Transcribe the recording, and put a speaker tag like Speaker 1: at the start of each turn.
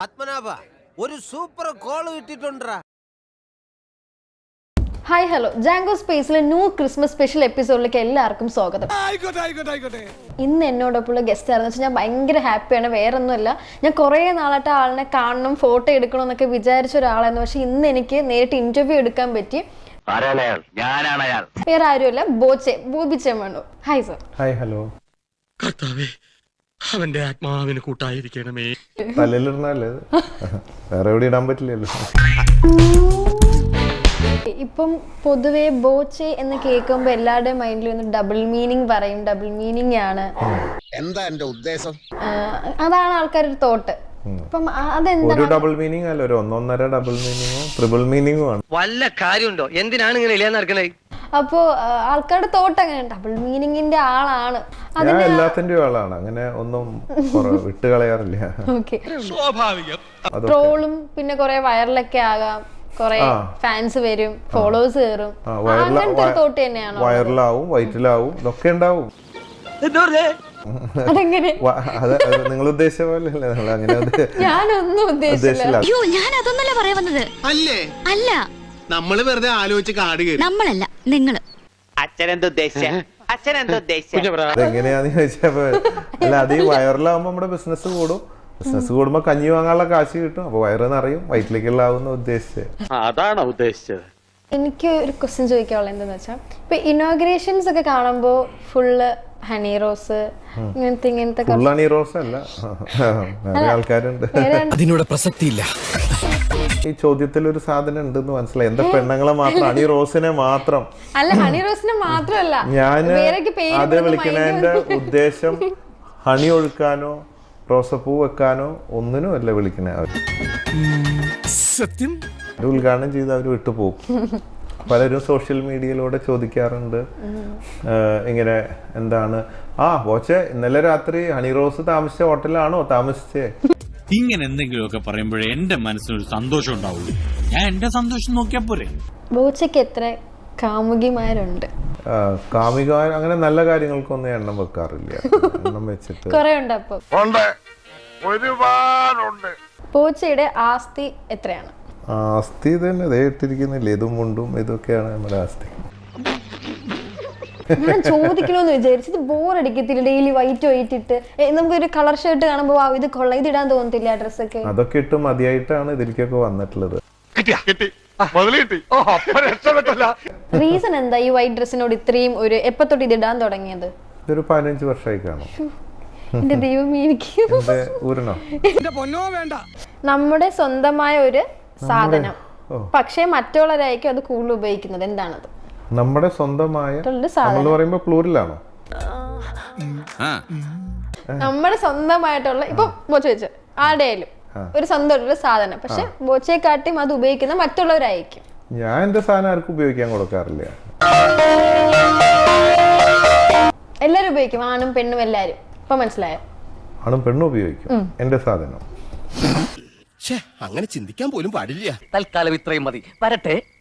Speaker 1: പത്മനാഭ ഒരു super call കിട്ടിട്ടുണ്ടാ.
Speaker 2: Hi hello Jango സ്പേസിലെ ന്യൂ ക്രിസ്മസ് സ്പെഷ്യൽ എപ്പിസോഡിലേക്ക് എല്ലാവർക്കും സ്വാഗതം. ഇന്ന് എന്നോടൊപ്പമുള്ള ഗസ്റ്റ് ആണെന്ന് വെച്ചാൽ ഞാൻ ഭയങ്കര ഹാപ്പിയാണ്. വേറെ ഒന്നുമല്ല, ഞാൻ കുറേ നാളായിട്ട് ആളിനെ കാണണം, ഫോട്ടോ എടുക്കണം എന്നൊക്കെ വിചാരിച്ച ഒരാളായിരുന്നു. പക്ഷെ ഇന്ന് എനിക്ക് നേരിട്ട് ഇന്റർവ്യൂ എടുക്കാൻ പറ്റി. വേറെ ആരുമല്ല, Bobby Chemmanur. Hi sir.
Speaker 3: Hi hello.
Speaker 4: അവന്റെ ആത്മാവിന് കൂട്ടായിരിക്കണമേ.
Speaker 3: തലയിലിടണല്ലേ, വേറെ എവിടെ ഇടാൻ പറ്റില്ലല്ലോ.
Speaker 2: ഇപ്പം പൊതുവെ ബോച്ചെ എന്ന് കേൾക്കുമ്പോൾ എല്ലാവരുടെയും മൈൻഡിൽ ഒന്ന് ഡബിൾ മീനിങ് പറയും. ഡബിൾ മീനിങ് ആണ്.
Speaker 1: എന്താ എന്റെ ഉദ്ദേശം?
Speaker 2: അതാണ് ആൾക്കാരുടെ തോട്ട്. അപ്പം അതെന്താ
Speaker 3: ഒരു ഡബിൾ മീനിങ് അല്ല, ഒരു ഒന്നൊന്നര ഡബിൾ മീനിങ്ങും ട്രിപ്പിൾ മീനിങ്ങും ആണ്.
Speaker 5: വല്ല കാര്യമുണ്ടോ? എന്തിനാണ് ഇങ്ങനെ ഇല്ലാന്ന് നടക്കണേ?
Speaker 2: അപ്പോ ആൾക്കാരുടെ തോട്ട് അങ്ങനെ ഡബിൾ മീനിങ്ങിന്റെ ആളാണ്.
Speaker 3: ഞാൻ എല്ലാത്തിന്റെയും ആളാണ്, അങ്ങനെ ഒന്നും വിട്ട് കളയാറില്ല.
Speaker 2: ഓക്കെ,
Speaker 4: സ്വാഭാവികം.
Speaker 2: ട്രോളും പിന്നെ കുറെ വൈറലൊക്കെ ആകാം, കുറെ ഫാൻസ് വരും, ഫോളോവേഴ്സ് കയറും, അങ്ങനത്തെ തോട്ട് തന്നെയാണോ?
Speaker 3: വൈറലാവും, വയറ്റിലാവും, ഇതൊക്കെ ഉണ്ടാവും.
Speaker 2: അതെങ്ങനെ?
Speaker 3: നിങ്ങൾ ഉദ്ദേശിച്ച പോലെ അല്ലേ, അങ്ങനെ
Speaker 2: ഞാനൊന്നും ഉദ്ദേശിച്ചില്ല.
Speaker 6: അയ്യോ, ഞാൻ അതൊന്നല്ല പറയാൻ വന്നത്.
Speaker 7: അല്ലേ?
Speaker 6: അല്ല,
Speaker 7: നമ്മള് വെറുതെ ആലോചിച്ച് കാട് കയറി.
Speaker 6: നമ്മളല്ല, നിങ്ങള്.
Speaker 3: അതെങ്ങനെയാന്ന് ചോദിച്ചപ്പോ, അല്ല അത് ഈ വൈറലാവുമ്പോ നമ്മുടെ ബിസിനസ് കൂടും. ബിസിനസ് കൂടുമ്പോ കഞ്ഞി വാങ്ങാനുള്ള കാശ് കിട്ടും, അപ്പൊ വയറ് നിറയും, വയറ്റിലേക്കുള്ളാവുന്ന ഉദ്ദേശിച്ചത്.
Speaker 4: അതാണോ ഉദ്ദേശിച്ചത്?
Speaker 2: എനിക്ക് ഒരു ക്വസ്റ്റ്യൻ ചോദിക്കാനുള്ളത് എന്താന്ന് വെച്ചാൽ, ഇപ്പൊ ഇനോഗ്രേഷൻസ് ഒക്കെ കാണുമ്പോ ഫുള്ള് ഹണി റോസ് ഇങ്ങനത്തെ
Speaker 3: ഫുൾ ഹണി റോസ് അല്ല, വേറെ ആൾക്കാരുണ്ട്.
Speaker 1: അതിനോട് പ്രസക്തിയില്ല.
Speaker 3: ഈ ചോദ്യത്തിൽ ഒരു സാധനം ഉണ്ടെന്ന് മനസ്സിലായി. എന്താ പെണ്ണുങ്ങളെ മാത്രം, ഹണി റോസിനെ മാത്രം
Speaker 2: അല്ല, ഹണി റോസിനെ മാത്രമല്ല,
Speaker 3: ഞാൻ അത് വിളിക്കുന്നതിന്റെ ഉദ്ദേശം ഹണി ഒഴുക്കാനോ റോസപ്പൂ വെക്കാനോ ഒന്നിനും അല്ല വിളിക്കണേ. അവർ
Speaker 1: സത്യം
Speaker 3: ഉദ്ഘാടനം ചെയ്ത് അവർ വിട്ടുപോകും. പലരും സോഷ്യൽ മീഡിയയിലൂടെ ചോദിക്കാറുണ്ട് ഇങ്ങനെ, എന്താണ് ബോച്ചെ ഇന്നലെ രാത്രി ഹണി റോസ് താമസിച്ച ഹോട്ടലിലാണോ താമസിച്ചേ?
Speaker 8: ഇങ്ങനെ എന്തെങ്കിലുമൊക്കെ പറയുമ്പോഴേ എന്റെ മനസ്സിനൊരു സന്തോഷം ഉണ്ടാവുള്ളൂ. ഞാൻ എന്റെ സന്തോഷം നോക്കിയാ പോരെ.
Speaker 2: ബോച്ചയ്ക്ക് എത്ര കാമുകിമാരുണ്ട്?
Speaker 3: കാമികാർ അങ്ങനെ നല്ല കാര്യങ്ങൾക്കൊന്നും എണ്ണം വെക്കാറില്ല. എണ്ണം വെച്ചിട്ട്
Speaker 2: കുറെ ഉണ്ട്. അപ്പൊ
Speaker 1: ഒരുപാടുണ്ട്.
Speaker 2: ബോച്ചയുടെ ആസ്തി എത്രയാണ്?
Speaker 3: ആസ്തി തന്നെ ഇതേ ഇട്ടിരിക്കുന്നില്ല, ഇതും മുണ്ടും ഇതൊക്കെയാണ് നമ്മുടെ ആസ്തി.
Speaker 2: ഞാൻ ചോദിക്കണമെന്ന് വിചാരിച്ചത്, ബോറടിക്കത്തില്ല ഡെയിലി വൈറ്റ് ഇട്ട്? നമുക്കൊരു കളർ ഷർട്ട് കാണുമ്പോ ഇത് കൊള്ളാം, ഇത് ഇടാൻ തോന്നത്തില്ല? ഡ്രസ്സൊക്കെ
Speaker 3: അതൊക്കെ ഇട്ട് മതിയായിട്ടാണ് ഇതിലേക്കൊക്കെ വന്നിട്ടുള്ളത്.
Speaker 2: റീസൺ എന്താ ഈ വൈറ്റ് ഡ്രസ്സിനോട് ഇത്രയും ഒരു എപ്പോ തൊട്ട് ഇത് ഇടാൻ തുടങ്ങിയത്?
Speaker 3: ഒരു 15 വർഷമായി കാണും.
Speaker 2: എന്റെ ദൈവമേ, എനിക്ക് നമ്മുടെ സ്വന്തമായ ഒരു സാധനം, പക്ഷെ മറ്റുള്ളവരായിരിക്കും അത് കൂടുതൽ ഉപയോഗിക്കുന്നത്. എന്താണത്?
Speaker 3: നമ്മുടെ സ്വന്തമായ നമ്മൾ പറയുമ്പോ പ്ലൂറലാണോ?
Speaker 2: നമ്മുടെ സ്വന്തമായിട്ടുള്ള, ഇപ്പൊ ബോച്ച വെച്ച് ആരുടെയായാലും ഒരു സ്വന്തമായിട്ടുള്ള സാധനം, പക്ഷെ ബോച്ചയെക്കാട്ടിയും അത് ഉപയോഗിക്കുന്ന മറ്റുള്ളവരായിരിക്കും.
Speaker 3: ഞാൻ എന്റെ സാധനം ആർക്കും ഉപയോഗിക്കാൻ കൊടുക്കാറില്ല.
Speaker 2: എല്ലാരും ഉപയോഗിക്കും, ആണും പെണ്ണും എല്ലാരും. ഇപ്പൊ മനസ്സിലായോ?
Speaker 3: ആണും പെണ്ണും ഉപയോഗിക്കും എന്റെ സാധനം.
Speaker 1: അങ്ങനെ ചിന്തിക്കാൻ പോലും പാടില്ല.
Speaker 5: തൽക്കാലം ഇത്രയും മതി. വരട്ടെ.